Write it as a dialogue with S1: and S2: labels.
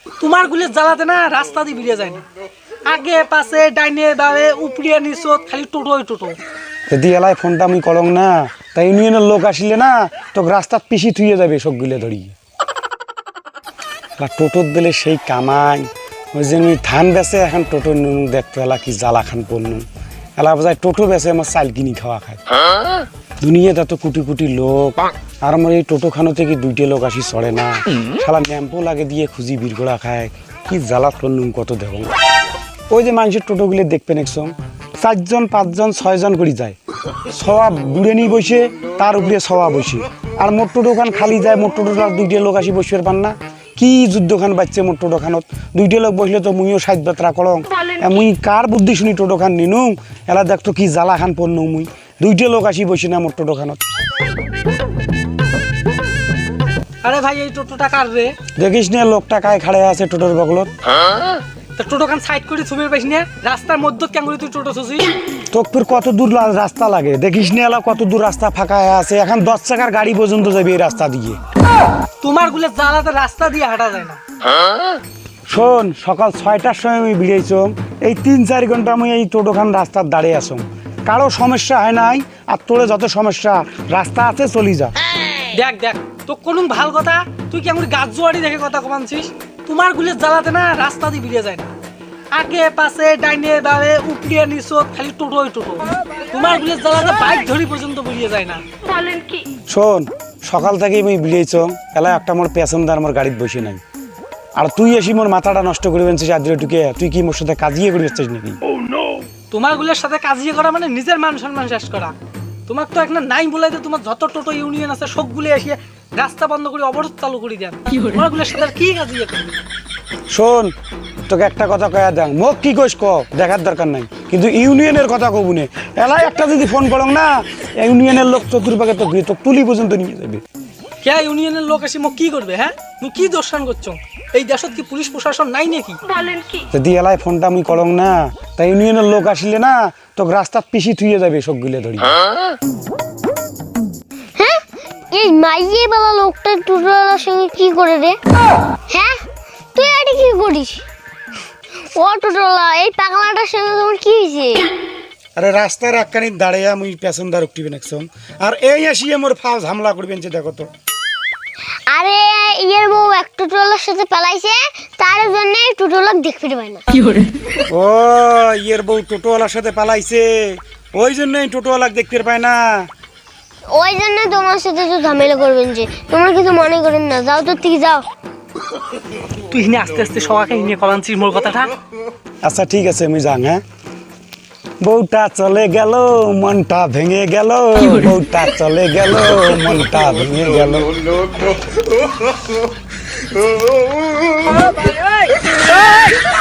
S1: তোমার গুলে জ্বালাতে না রাস্তা দিয়ে বেরিয়ে যায় না, আগে পাশে ডাইনে বামে উপরিয়া নিচত খালি টোটোই টোটো।
S2: যদি এলাই ফোনটা আমি করং না, তাই ইউনিয়নের লোক আসলে না তোকে রাস্তার পিছি থুয়ে যাবে সবগুলো ধরিয়ে। টোটোর দিলে সেই কামাই, ওই যে আমি ধান বেচে এখন টোটোর নুন দেখতো এলা কি জ্বালা খান পড়নু, এলা বোঝায় টোটো বেচে আমার চাল কিনি খাওয়া খায়। দুনিয়াতে তো কোটি কোটি লোক, আর আমার এই টোটো খানো থেকে দুইটা লোক আসি চড়ে না, শালা ন্যাম্পো লাগে দিয়ে খুঁজি বিরগোড়া খায়, কি জ্বালা করলুম কত দেব। ওই যে মানুষের টোটোগুলো দেখবেন একদম 4 জন 5 জন 6 জন করে যায়, সবা বুড়ে নিয়ে বসে তার উপরে সবা বসে, আর মোট টোটোখান খালি যায়, মোট টোটোটা দুইটা লোক আসি বসবে পান না, কি যুদ্ধখান বাজছে মোট টোটোখানত, দুইটা লোক বসলে তো মুইও 60 বাত্রা করং, মুই কার বুদ্ধি শুনি টোটোখান নিনু, এলা দেখতো কি জ্বালা খান পড়নু মুই, দুইটা লোক আসি বসে না মোট টোটোখানত।
S1: আরে ভাই এই টোটোটা কার রে?
S2: দেখিস না লোকটা কায় খাড়ে আছে টোটোর বগলত।
S1: তা টোটোখান সাইড করে ছবির পাইস না, রাস্তার মধ্যে কেন করে তুই টোটো ছুছিস?
S2: তোর কত দূর রাস্তা লাগে দেখিস না, এলা কত দূর রাস্তা ফাঁকা আছে, এখন 10 চাকার গাড়ি পর্যন্ত যাবে এই রাস্তা দিয়ে।
S1: তোমার গুলে জ্বালাতে রাস্তা দিয়ে হাঁটা যায় না।
S2: শোন, সকাল 6টার সময় আমি বেরিয়েছম, এই 3-4 ঘন্টা আমি এই টোটোখান রাস্তার দাঁড়িয়ে আসম, কারো সমস্যা হয় নাই, আর তোরে যত সমস্যা রাস্তা আছে চলি যা।
S1: দেখ দেখ তো কোন ভাল কথা, তুই কেমন গাছ জোয়ারি দেখে কথা কমানছিস? তোমার গুলে জ্বালাতে না রাস্তা দিয়ে বেরিয়ে যায় না, আগে পাশে ডাইনে বামে উপরিয়া নিচত খালি টোটোই টোটো, তোমার গুলে জ্বালাতে বাইক ধরি পর্যন্ত বেরিয়ে যায় না। বলেন কি?
S2: শোন, সকাল থেকে আমি বেরিয়েছম, এলা একটা মোর প্যাসেঞ্জার আমার গাড়িতে বসে নাই, আর তুই এসি মোর মাথাটা নষ্ট করে বেনছিস আদ্রিটুকে, তুই কি মোর সাথে কাজিয়ে করে বেচছিস নাকি?
S1: তোমার গুলের সাথে কাজিয়ে করা মানে নিজের মান সম্মান শেষ করা। তোমার তো একটা নাই বলাইতে তোমার যত টোটো ইউনিয়ন আছে সবগুলো এসে রাস্তা বন্ধ করে অবরোধ চালু করে দেন, তোমার গুলের সাথে কি কাজিয়ে করবে?
S2: শোন, তোকে একটা কথা কয়া দেখ, মোক কি কইস ক, দেখার দরকার নাই, কিন্তু ইউনিয়নের কথা কবুনে, এলাই একটা যদি ফোন করং না, ইউনিয়নের লোক চতুর্পাকে তো ঘুরে তো তুলি পর্যন্ত নিয়ে যাবে।
S1: কে ইউনিয়নের লোক এসে মোক কি করবে? হ্যাঁ তুমি কি দর্শন করছো? এই দেশত কি পুলিশ প্রশাসন নাই নাকি? বলেন কি? যদি
S2: এলাই ফোনটা আমি করং না, তাই ইউনিয়নের লোক আসলে না তোকে রাস্তার পিছি থুয়ে যাবে সবগুলো ধরি।
S3: হ্যাঁ, এই মাইয়ে বালা লোকটা টোটোওয়ালার সঙ্গে কি করে রে? হ্যাঁ, তুই এটা কি করিস? ও টোটোওয়ালা, এই পাগলাটার সঙ্গে তোমার কি হয়েছে?
S2: আরে রাস্তার একখানি দাঁড়িয়ে আমি প্যাসেঞ্জার উঠবেন একদম, আর এই আসিয়ে মোর ফাউজ হামলা করবেন, যে দেখো তো।
S3: আরে ইয়ের বউ এক টোটোওয়ালার সাথে পালাইছে, তার জন্য টোটোওয়ালা দেখতে পায় না।
S2: ও ইয়ের বউ টোটোওয়ালার সাথে পালাইছে, ওই জন্যই টোটোওয়ালা দেখতে পায় না।
S3: ওই জন্য তোমার সাথে তো ঝামেলা করবেন, যে তোমার কিছু মনে করেন না, যাও তোর থেকে যাও।
S1: তুই হিনে আস্তে আস্তে সবাইকে হিনে কলানছিস মোর কথাটা।
S2: আচ্ছা ঠিক আছে, আমি যাং। হ্যাঁ, বউটা চলে গেল মনটা ভেঙে গেল, বউটা চলে গেল মনটা ভেঙে গেল।